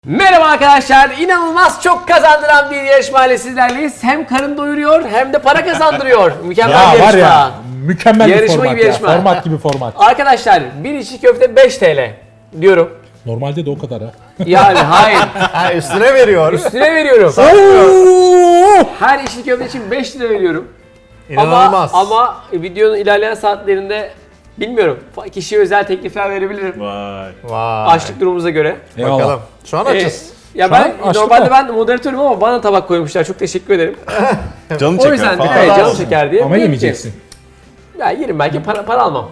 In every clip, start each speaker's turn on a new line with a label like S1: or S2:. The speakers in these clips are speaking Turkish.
S1: Merhaba arkadaşlar, inanılmaz çok kazandıran bir yarışmayla sizlerleyiz. Hem karın doyuruyor hem de para kazandırıyor. Mükemmel bir yarışma.
S2: Var ya, mükemmel bir
S1: Yarışma
S2: format
S1: gibi
S2: ya.
S1: yarışma.
S2: Format gibi format.
S1: Arkadaşlar bir içli köfte 5 TL diyorum.
S2: Normalde de o kadar ha.
S1: Yani hayır,
S3: Ha, üstüne veriyor.
S1: üstüne veriyorum.
S2: Oo!
S1: Her içli köfte için 5 lira veriyorum.
S3: İnanılmaz.
S1: Ama videonun ilerleyen saatlerinde bilmiyorum. Kişiye özel teklifler verebilirim.
S4: Vay.
S3: Vay.
S1: Açlık durumumuza göre.
S2: Eyvallah.
S3: Bakalım. Şu an açız.
S1: Ya
S2: Şu an
S1: ben
S2: açlık
S1: normalde
S2: var.
S1: ben moderatörüm ama bana tabak koymuşlar. Çok teşekkür ederim.
S4: Canım
S1: O
S4: çeker
S1: yüzden
S4: falan.
S1: evet, canım
S3: olsun.
S1: çeker diye.
S2: Ama
S1: Diyelim ki,
S2: yemeyeceksin.
S1: Ya yerim belki para almam.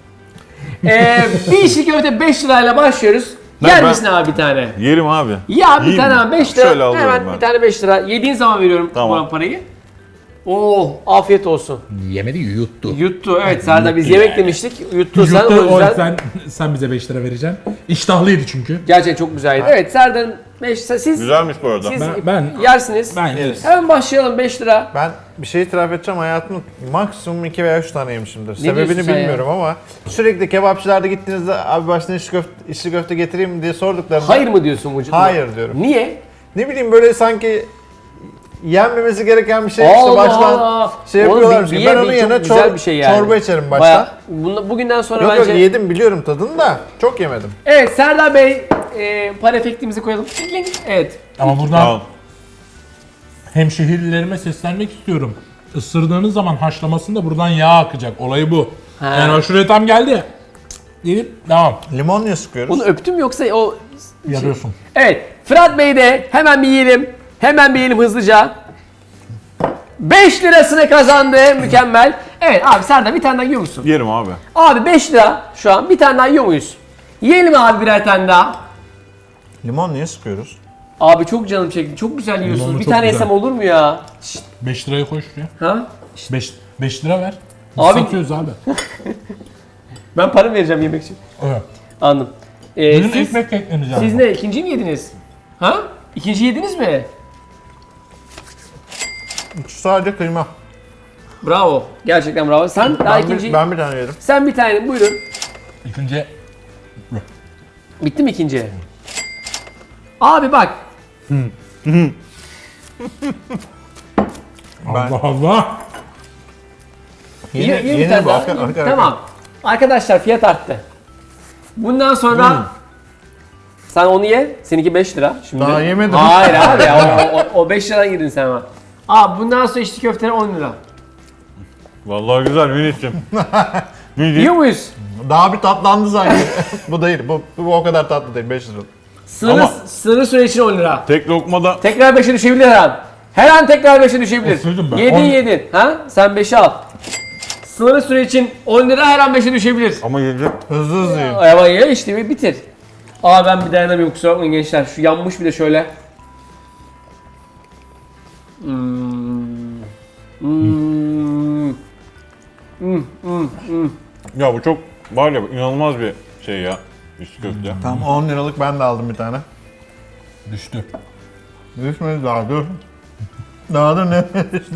S1: Bir içli köfte 5 lirayla başlıyoruz. Yer
S4: Ben-
S1: misin abi bir tane?
S4: Yerim abi.
S1: Ya bir
S4: Yiyeyim
S1: tane
S4: mi?
S1: abi 5 lira.
S4: Şöyle alıyorum
S1: Hemen
S4: ben.
S1: bir tane 5 lira. Yediğin zaman veriyorum
S4: Tamam.
S1: bu parayı. Oo, afiyet olsun.
S2: Yemedi, yuttu.
S1: Yuttu. Evet Serdar biz yemek demiştik. Yuttu sen
S2: Yuttu,
S1: o yüzden.
S2: sen bize 5 lira vereceksin. İştahlıydı çünkü.
S1: Gerçekten çok güzeldi. Evet Serdar'ın 5 lira. Siz
S4: Güzelmiş bu arada.
S2: Ben
S1: yersiniz.
S2: yeriz.
S1: Hemen başlayalım 5 lira.
S3: Ben bir şey itiraf edeceğim. Hayatımda maksimum 2 veya 3 tane yemişimdir.
S1: diyorsun
S3: Sebebini
S1: sen
S3: bilmiyorum ama sürekli kebapçılarda gittiğinizde abi başına içli köfte getireyim mi diye sorduklarında
S1: Hayır mı diyorsun vücuduna?
S3: hayır diyorum.
S1: Niye?
S3: Ne bileyim böyle sanki yenmemesi gereken bir şey işte
S1: Allah
S3: baştan
S1: Allah.
S3: şey
S1: Oğlum,
S3: yapıyorlarmış.
S1: bir
S3: Ben
S1: ye,
S3: onun
S1: bir
S3: yerine
S1: çok güzel bir şey yani.
S3: çorba içerim baştan.
S1: Bayağı, bugünden sonra
S3: Yok
S1: bence...
S3: yok yedim biliyorum tadını da çok yemedim.
S1: Evet Serdar Bey, para efektimizi koyalım. Evet.
S2: ama buradan
S4: Tamam.
S2: hemşehrilerime seslenmek istiyorum. Isırdığınız zaman haşlamasında buradan yağ akacak. Olayı bu.
S1: Ha.
S2: Yani aşure tam geldi. Gelip devam.
S3: Limon niye sıkıyoruz?
S1: Bunu öptüm yoksa o...
S2: Yarıyorsun.
S1: Evet. Fırat Bey de hemen bir yiyelim. Hemen bir yiyelim hızlıca. 5 lirasını kazandı. Mükemmel. Evet abi Serdar bir tane daha yiyor musun?
S4: Yerim abi.
S1: Abi 5 lira şu an bir tane daha yiyor muyuz? Yiyelim abi birer tane daha.
S3: Limon niye sıkıyoruz?
S1: Abi çok canım çekti. Çok güzel yiyorsunuz.
S2: Limonlu
S1: Bir
S2: çok
S1: tane
S2: güzel.
S1: yesem olur mu ya? Şşt,
S2: 5 lirayı koy şuraya.
S1: ha?
S2: 5 lira ver. Biz
S1: Abi-
S2: satıyoruz abi.
S1: Ben para vereceğim yemek için.
S2: Evet.
S1: Anladım.
S2: Benim
S1: Siz,
S2: ekmek ekleneceğim.
S1: siz ne? İkinci mi yediniz? Ha? İkinci yediniz mi?
S3: Şu sadece kıyma.
S1: Bravo. Gerçekten bravo. Sen daha ikinci...
S3: Ben bir tane yedim.
S1: Sen bir tane buyurun.
S2: İkinci
S1: Bitti mi ikinci? Abi bak.
S2: Allah Allah.
S1: Yeni bir tane
S3: bu,
S1: daha.
S3: arka.
S1: Tamam. Arkadaşlar fiyat arttı. Bundan sonra sen onu ye. Seninki 5 lira. Şimdi.
S3: Daha yemedim.
S1: Hayır abi ya. O 5 liradan girdin sen ama. Abi bundan sonra içli köfteler 10 lira.
S4: Vallahi güzel Münih'cim. Münih.
S1: Yiyor muyuz?
S3: Daha bir tatlandı sanki. Bu değil. Bu o kadar tatlı değil. 5 lira.
S1: Sınırlı süre için 10 lira.
S4: Tek lokmada
S1: Tekrar 5'e düşebilir her an. Her an tekrar 5'e düşebilir.
S2: Oturdum ben.
S1: Yedin
S2: 10
S1: yedin. Ha? Sen 5'e al. Sınırlı süre için 10 lira her an 5'e düşebilir.
S4: ama yedim.
S3: Hızlı yiyin.
S1: Ama ya işte bir bitir. Aa ben bir dayanamıyorum kusura bakmayın gençler. Şu yanmış bir de şöyle.
S4: Ya bu çok var ya inanılmaz bir şey ya. İçli köfte.
S3: Tamam 10 liralık ben de aldım bir tane.
S2: Düştü.
S3: Düşmedi daha dur. Daha da ne düştü?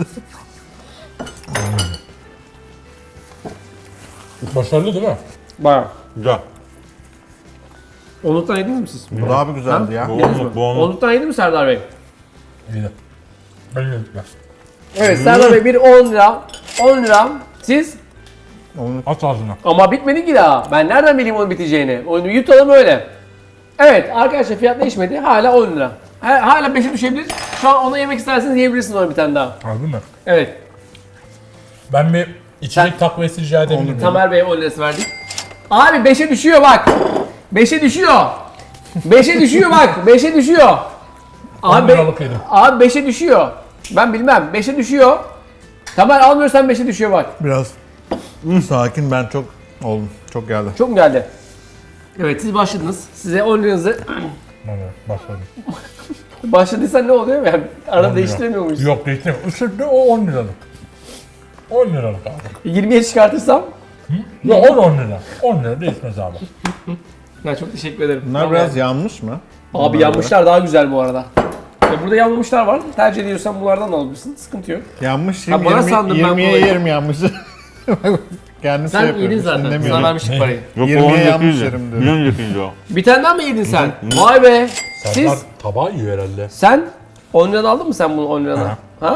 S2: Başarılı değil mi?
S1: Bak.
S4: Güzel.
S1: Onluktan yediniz mi siz?
S3: Bu daha bir güzeldi ya.
S4: Bu
S1: Yediniz mi?
S4: onluk, bu onluk.
S1: Onluktan yedi mi Serdar Bey?
S2: İyi. Ben yedim.
S1: Evet Serdar Bey bir 10 lira. 10 lira. Siz?
S2: At ağzına.
S1: Ama bitmedi ki daha. Ben nereden bileyim onun biteceğini? Onu yutalım öyle. Evet arkadaşlar fiyat değişmedi. Hala 10 lira. Hala 5'e düşebilir. Şu an ona yemek isterseniz yiyebilirsiniz onu bir tane daha.
S2: Harbi mi?
S1: Evet.
S2: Ben bir içecek takviyesi rica edebilir miyim?
S1: Tamer Bey'e 10 lirası verdik. Abi 5'e düşüyor bak. 5'e düşüyor. 5'e düşüyor bak. 5'e düşüyor.
S2: 10 liralık yedim.
S1: Abi 5'e düşüyor. Ben bilmem. 5'e düşüyor. Tamer almıyorsan 5'e düşüyor bak.
S3: Biraz sakin ben çok oldum. Çok geldi.
S1: Çok mu geldi? Evet siz başladınız. Size 10 liranızı
S2: Evet, başladım.
S1: başladıysan ne oluyor? Yani
S2: 10
S1: arada
S2: lira.
S1: değiştiremiyor muyuz?
S2: Yok değiştiremiyorum. Isırdı o 10 liralık. 10 liralık abi.
S1: 20'ye çıkartırsam?
S2: Ya 10 lira. 10 lira değişmez abi.
S1: Ya çok teşekkür ederim.
S3: Bunlar
S1: Tamam
S3: biraz
S1: yani.
S3: yanmış mı?
S1: Abi yanmışlar daha güzel bu arada. Burada yanmamışlar var. Tercih ediyorsan bunlardan alabilirsin. Sıkıntı yok.
S3: Yanmış.
S1: Ha, bana sandım ben
S3: 20'ye
S1: bu olayı.
S3: yerim yanmış. Kendim
S1: Sen yedin zaten. Sana vermiştik parayı.
S4: Yok
S3: Yirmiye
S4: o
S3: yanlış
S4: öncekiydi.
S3: yerim diyorum.
S4: Bir öncekiydi o.
S1: Bir tane daha mı yedin sen? Vay be.
S2: Serdar
S1: Siz,
S2: tabağı yiyor herhalde.
S1: sen 10 liradan aldın mı sen bunu 10 liradan? Ha?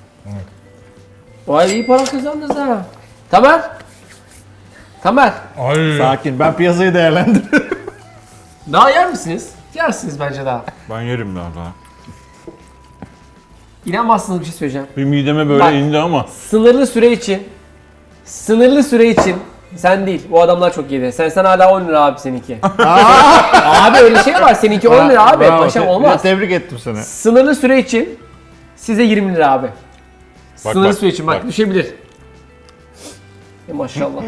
S1: Vay iyi para kazandınız ha. Tamer. Tamer.
S2: Ay.
S3: Sakin, ben piyasayı değerlendiriyorum.
S1: Daha yer misiniz? Yersiniz bence daha.
S4: Ben yerim biraz daha.
S1: İnanmazsınız bir şey söyleyeceğim.
S4: Bir mideme böyle
S1: Bak.
S4: indi ama.
S1: Sınırlı süre için sen değil, o adamlar çok yedi. Sen hala 10 lira abi seninki. Abi öyle şey var, seninki 10 lira abi.
S3: Bravo,
S1: Paşam olmaz.
S3: Tebrik ettim seni.
S1: Sınırlı süre için size 20 lira abi. Sınırlı
S4: bak,
S1: süre için bak
S4: bak.
S1: düşebilir. Maşallah.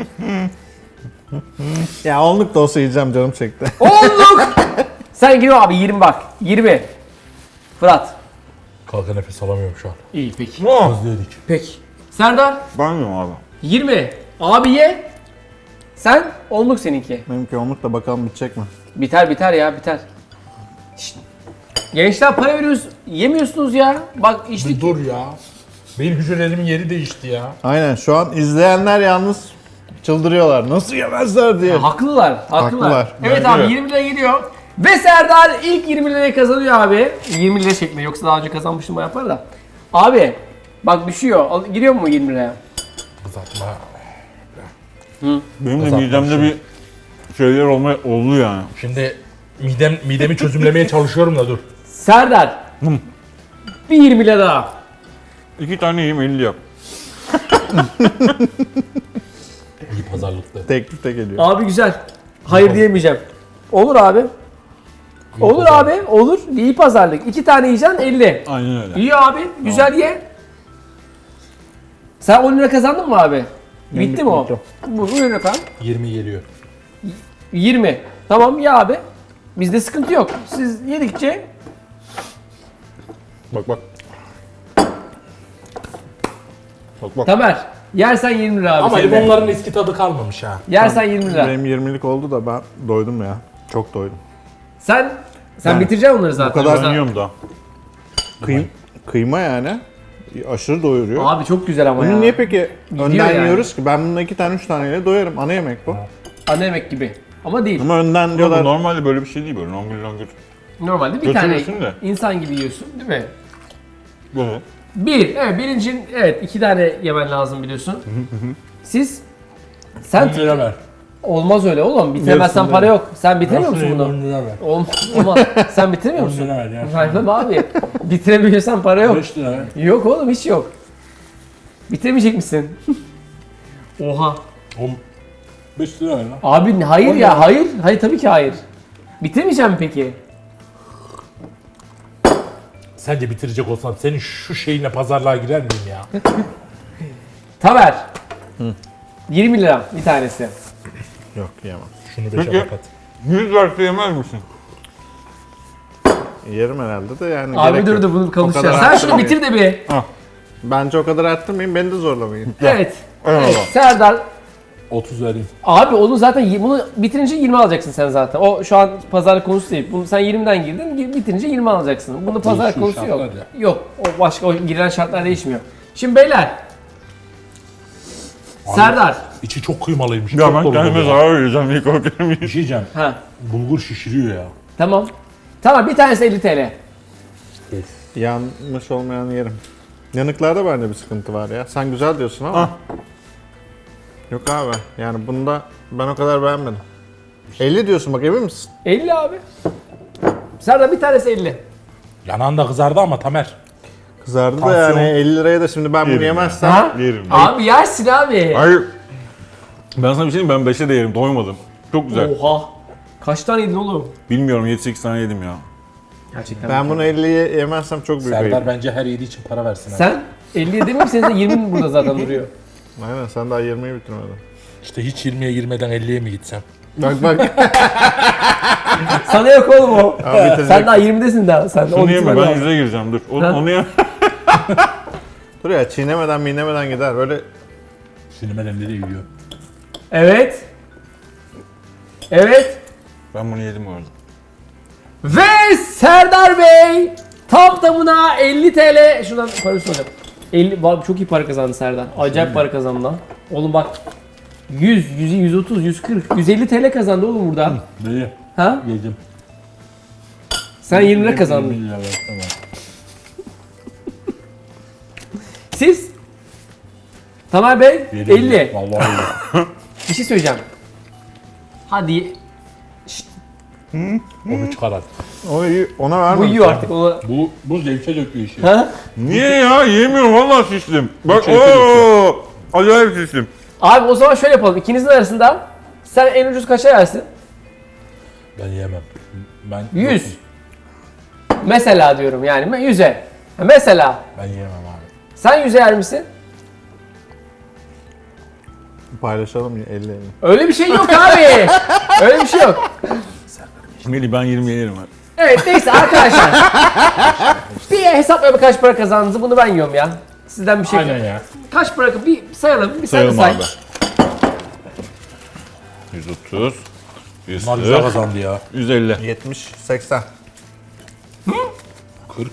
S3: Ya onluk da olsa yiyeceğim, canım çekti.
S1: Olduk! Sen giriyor abi 20 bak. 20. Fırat.
S2: Kalka nefes alamıyorum şu an.
S1: İyi peki.
S2: Özledik.
S1: Peki. Serdar
S4: Ben yiyorum abi.
S1: 20. Abi ye. Sen onluk seninki.
S3: Benimki onluk da bakalım bitecek mi?
S1: Biter ya biter. Şşt. Gençler para veriyoruz, yemiyorsunuz ya. Bak işte
S2: Bir dur ya. Benim hücrelerimin yeri değişti ya.
S3: Aynen, şu an izleyenler yalnız çıldırıyorlar. Nasıl yemezler diye.
S1: haklılar.
S3: Haklılar.
S1: Evet
S4: Bence
S1: abi
S4: de.
S1: 20 lira gidiyor. Ve Serdar ilk 20 lirayı kazanıyor abi. 20 lira şeklinde, yoksa daha önce kazanmıştım bayağı para da. Abi bak düşüyor. Giriyor mu 20 liraya?
S2: Kızartma.
S4: Benim de
S2: Kazanmış
S4: midemde bir şeyler oldu yani.
S2: Şimdi midemi çözümlemeye çalışıyorum da dur.
S1: Serdar. Bir 20 lira daha.
S4: 2 tane yiyeyim 50 yap.
S2: İyi pazarlıklı.
S3: Teklif de geliyor.
S1: Abi güzel. Hayır diyemeyeceğim. Olur abi. Olur abi. Olur. İyi pazarlık. 2 tane yiyeceksin 50.
S4: Aynen öyle.
S1: İyi abi. Güzel ye. Sen 10 lira kazandın mı abi? Bitti mi o?
S3: bitti.
S1: Buyurun efendim.
S2: 20 geliyor.
S1: 20. Tamam ya abi. Bizde sıkıntı yok. Siz yedikçe
S4: Bak bak. Bak bak.
S1: Tamer. Yersen 20 lira abi.
S2: Ama
S1: senin de.
S2: limonların eski tadı kalmamış ha.
S1: Yersen 20 lira.
S3: Benim 20'lik oldu da ben doydum ya. Çok doydum.
S1: Sen
S3: Yani
S1: bitireceksin onları zaten.
S3: kadar
S1: Yoksa-
S4: Ben yiyorum da.
S3: Kıyma yani. Aşırı doyuruyor.
S1: Abi çok güzel ama ya.
S3: Bunu niye peki önden
S1: yani.
S3: yiyoruz ki? Ben bununla 2 tane 3 taneyle doyarım. Ana yemek bu.
S1: Ana yemek gibi. Ama değil.
S3: Ama önden
S4: Ama
S3: diyorlar.
S4: bu normalde böyle bir şey değil böyle. Longür.
S1: Normalde bir tane
S4: Götürüyorsun da.
S1: insan gibi yiyorsun değil mi?
S4: Böyle.
S1: Birincin evet 2 tane yemen lazım biliyorsun. Sen
S2: 10 lira ver.
S1: olmaz öyle oğlum. Bitiremezsen
S3: Yarısını
S1: para yok. Sen bitiremiyor musun bunu?
S2: 10 lira ver.
S1: Olmaz. Sen bitiremiyor
S2: 10
S1: musun?
S2: lira ver ya.
S1: Hayır abi. Bitiremiyorsan para yok.
S2: 5 lira ver.
S1: Yok oğlum hiç yok. Bitiremeyecek misin? Oha.
S2: 5 lira ver lan.
S1: Abi hayır ya hayır. Hayır tabii ki hayır. Bitiremeyeceğim mi peki?
S2: Sence bitirecek olsam senin şu şeyine pazarlığa girer miyim ya?
S1: Tamer. 20 lira bir tanesi.
S3: Yok yemem.
S2: Şunu 5'e
S4: Peki.
S2: kapat.
S4: 100 verse yemez misin?
S3: Yerim herhalde de yani.
S1: Abi
S3: gerek
S1: dur
S3: yok.
S1: dur bunu
S3: O
S1: konuşacağız.
S3: kadar
S1: Sen şunu
S3: arttırmayın.
S1: bitir de bir.
S3: Bence o kadar arttırmayın, beni de zorlamayın.
S1: Evet.
S4: Eyvallah.
S1: Evet Serdar.
S2: 30 vereyim.
S1: Abi onu zaten bunu bitirince 20 alacaksın sen zaten. O şu an pazarlık konusu değil. Bunu sen 20'den girdin, bitirince 20 alacaksın. Bunu pazarlık
S2: Değişiyor
S1: konusu yok.
S2: şartlar ya.
S1: Yok. O başka o girilen şartlar değişmiyor. Şimdi beyler. Serdar.
S2: İçi çok kıymalıymış.
S4: Ya
S2: çok
S4: ben
S2: dolu
S4: kendime
S2: ya.
S4: zarar vereceğim ilk o
S2: Bir
S4: kelimeyi.
S2: şey diyeceğim.
S1: Ha.
S2: Bulgur şişiriyor ya.
S1: Tamam. Tamam bir tanesi 50 TL.
S3: Yanmış olmayan yerim. Yanıklarda bende bir sıkıntı var ya. Sen güzel diyorsun ama. Yok abi. Yani bunda ben o kadar beğenmedim. 50 diyorsun bak, emin misin?
S1: 50 abi. Serdar bir tanesi 50.
S2: Yanağında kızardı ama Tamer.
S3: Kızardı da
S2: Tansiyon.
S3: yani 50 liraya da şimdi ben bunu
S4: Yerim ya.
S3: yemezsem.
S1: Ha?
S4: Yerim.
S1: Abi yersin abi.
S4: Hayır. Ben sana bir şey diyeyim, ben 5'e de yerim, doymadım. Çok güzel.
S1: Oha. Kaç tane yedin oğlum?
S4: Bilmiyorum 7-8 tane yedim ya.
S1: Gerçekten.
S3: Ben bunu 50'ye yemezsem çok büyük
S2: Serdar
S3: ayıp.
S2: bence her yediği için para versin. ha.
S1: Sen 50'ye değil mi? Senin de 20 burada zaten duruyor.
S3: Aynen, sen daha 20'yi bitirmedin.
S2: İşte hiç 20'ye girmeden 50'ye mi gitsem?
S3: Bak bak.
S1: Sana yok oğlum o.
S3: Abi bitirecek.
S1: Sen daha 20'desin daha. Sen
S4: Şunu yeme, ben 100'e gireceğim dur. Onu ye.
S3: Dur ya, çiğnemeden gider. Böyle
S2: Sinirmeden nereye gidiyor?
S1: Evet. Evet.
S4: Ben bunu yedim bu arada.
S1: Ve Serdar Bey tam tamına 50 TL. Şuradan para soracağım. 50 var, çok iyi para kazandı Serdar. Acayip para kazandı lan. Oğlum bak. 100, 130, 140, 150 TL kazandı oğlum burada.
S2: Dayı
S1: Ha?
S2: yedim.
S1: Sen 20 lira kazandın.
S2: 20 lira ver, tamam.
S1: Siz? Tamer Bey
S2: Yedim.
S1: 50.
S2: Vallahi yedim.
S1: Bir şey söyleyeceğim. Hadi
S2: Onu çıkar artık.
S3: Ona vermem.
S1: bu yiyor artık onu.
S2: Bu zevke döküyor işi.
S1: Ha?
S4: Niye ya? Yemiyorum vallahi şiştim. Bak
S2: Çekirdek
S4: ooo. Acayip şiştim.
S1: Abi o zaman şöyle yapalım. İkinizin arasında sen en ucuz kaça yersin?
S2: Ben yemem. Ben
S1: 100. Mesela diyorum yani 100'e. Mesela
S2: Ben yemem abi.
S1: sen 100'e yer misin?
S3: Paylaşalım ya 50-50.
S1: Öyle bir şey yok abi. Öyle bir şey yok.
S4: Melih ben 20 yerim abi.
S1: Evet neyse arkadaşlar. Bir hesaplayalım kaç para kazandınız. Bunu ben yiyorum ya. Sizden bir şey.
S2: Aynen ya.
S1: Kaç para bir sayalım. Bir
S4: Sayalım
S1: say.
S4: abi. 130,
S2: Bunlar güzel
S4: 140,
S2: kazandı ya.
S4: 150.
S3: 70, 80.
S2: 40.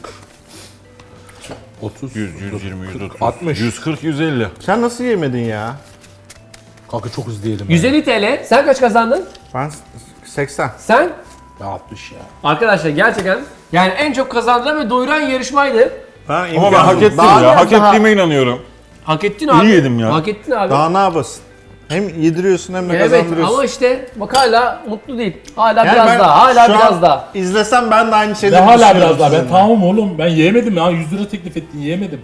S2: 30.
S4: 100, 120, 130,
S2: 60.
S4: 140, 150.
S3: Sen nasıl yemedin ya?
S2: Kanka çok hızlı yedim.
S1: 150 TL. Sen kaç kazandın?
S3: Ben 80.
S1: Sen?
S2: Ben 60 ya.
S1: Arkadaşlar gerçekten yani en çok kazandıran ve doyuran yarışmaydı.
S4: Ama ben hak ettim
S3: Daha
S4: ya.
S1: biraz
S4: Hak
S1: daha-
S4: ettiğime inanıyorum.
S1: Hak ettin abi.
S4: yedim ya.
S1: Hak ettin abi.
S3: Daha ne yapasın? Hem yediriyorsun hem de
S1: Evet
S3: kazandırıyorsun.
S1: ama işte bak hala mutlu değil. Hala
S3: Yani
S1: biraz
S3: ben
S1: daha. Hala
S3: şu an
S1: biraz daha.
S3: İzlesem ben de aynı
S2: Ben
S3: şeyleri
S2: hala
S3: düşünüyorum
S2: biraz daha. Ben
S3: sizinle.
S2: tamam oğlum. Ben yemedim ya. 100 lira teklif ettin. Yemedim.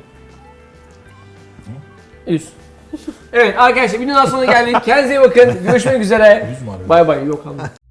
S1: 100. Evet arkadaşlar videonun sonuna geldik. Kendinize iyi bakın. Görüşmek üzere.
S2: 100 mü abi?
S1: Bay bay. Yok anladım.